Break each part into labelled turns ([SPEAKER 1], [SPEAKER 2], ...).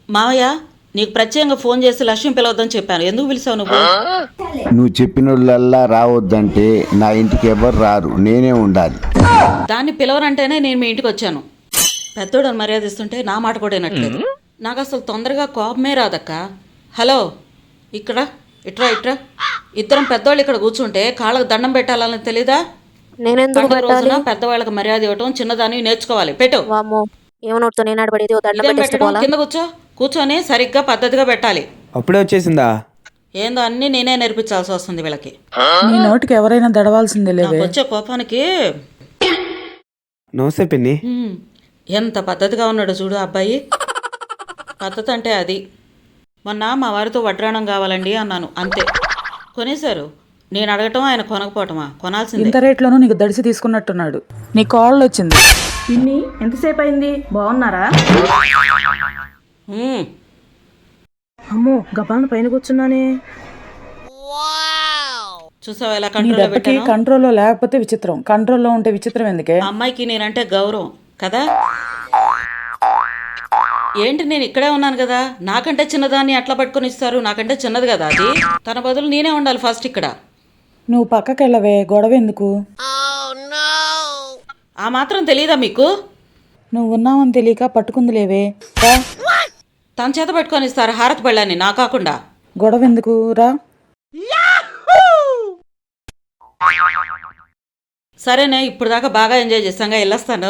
[SPEAKER 1] మావయ్య నీకు ప్రత్యేకంగా ఫోన్ చేసి లక్ష్మి పిలవద్దని చెప్పాను. ఎందుకు పిలిచావు నువ్వు?
[SPEAKER 2] నువ్వు చెప్పినోళ్ళల్లా రావద్దంటే నా ఇంటికి ఎవరు రారు, నేనే ఉండాలి.
[SPEAKER 1] దాన్ని పిలవరంటేనే నేను మీ ఇంటికి వచ్చాను. పెద్దోడని మర్యాద ఇస్తుంటే నా మాట కూడా వినట్లేదు. నాకు అసలు తొందరగా కోపమే రాదక్క. హలో, ఇక్కడ ఇట్రా ఇట్రా. ఇద్దరం పెద్దవాళ్ళు ఇక్కడ కూర్చుంటే కాళ్ళకు దండం పెట్టాలని తెలీదా?
[SPEAKER 3] నేనెందుకు
[SPEAKER 1] పండుగ
[SPEAKER 3] పెట్టాలి?
[SPEAKER 1] రోజున పెద్దవాళ్ళకి మర్యాద ఇవ్వటం చిన్నదాన్ని నేర్చుకోవాలి. పెట్టు.
[SPEAKER 3] వామ్మో, ఏమనొడుతో నేను ఆడబడేది ఓ దండం
[SPEAKER 1] ఇదేం పెట్టడం?
[SPEAKER 3] పెట్టేసుకోవాలా?
[SPEAKER 1] కింద కూర్చొని సరిగ్గా పద్ధతిగా పెట్టాలి.
[SPEAKER 4] అప్పుడే వచ్చేసిందా?
[SPEAKER 1] ఏందో అన్నీ నేనే నేర్పించాల్సి వస్తుంది వీళ్ళకి.
[SPEAKER 5] నీ నోటికి ఎవరైనా దడవాల్సిందే
[SPEAKER 1] నాకు
[SPEAKER 5] లేవే.
[SPEAKER 1] వచ్చే కోపానికి
[SPEAKER 4] నమస్తే పిన్ని.
[SPEAKER 1] ఎంత పద్ధతిగా ఉన్నాడో చూడు అబ్బాయి. పద్ధతి అంటే అది. మొన్న మా వారితో వడ్రాణం కావాలండి అన్నాను, అంతే. కొనేశారు. నేను అడగటం ఆయన కొనకపోవటమా? కొనాల్సిందే.
[SPEAKER 5] ఇంత రేట్లోనూ నీకు దడిసి తీసుకున్నట్టున్నాడు. నీ కాళ్ళు వచ్చింది.
[SPEAKER 6] పిన్ని ఎంతసేపు అయింది? బాగున్నారా?
[SPEAKER 1] ఉమ్,
[SPEAKER 6] అమ్మో, గబాలను పైన కూర్చున్నానే.
[SPEAKER 1] చూసావా ఎలా
[SPEAKER 5] నీ
[SPEAKER 1] కంట్రోల్లో
[SPEAKER 5] దెబ్బకి
[SPEAKER 1] పెట్టాను?
[SPEAKER 5] కంట్రోల్లో లేకపోతే విచిత్రం, కంట్రోల్లో ఉంటే విచిత్రం ఎందుకే?
[SPEAKER 1] ఆ అమ్మాయికి నేనంటే గౌరవం కదా. ఏంటి, నేను ఇక్కడే ఉన్నాను కదా, నాకంటే చిన్నదాన్ని అట్లా పట్టుకొని ఇస్తారు? నాకంటే చిన్నది కదా అది. తన బదులు నేనే ఉండాలి ఫస్ట్ ఇక్కడ.
[SPEAKER 5] నువ్వు పక్కకెళ్ళవే, గొడవ ఎందుకు?
[SPEAKER 1] ఆ మాత్రం తెలీదా మీకు?
[SPEAKER 5] నువ్వు ఉన్నావని తెలియక పట్టుకుంది లేవే. రా,
[SPEAKER 1] తన చేత పెట్టుకొని ఇస్తారు హారతి పళ్ళని, నా కాకుండా.
[SPEAKER 5] గొడవ ఎందుకు? రా.
[SPEAKER 1] సరేనే, ఇప్పుడు దాకా బాగా ఎంజాయ్ చేస్తాగా, వెళ్ళొస్తాను.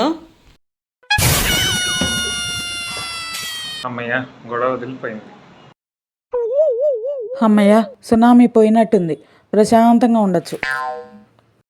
[SPEAKER 7] అమ్మయ్య, గొడవ వదిలిపోయింది.
[SPEAKER 5] అమ్మయ్య, సునామీ పోయినట్టుంది. ప్రశాంతంగా ఉండొచ్చు.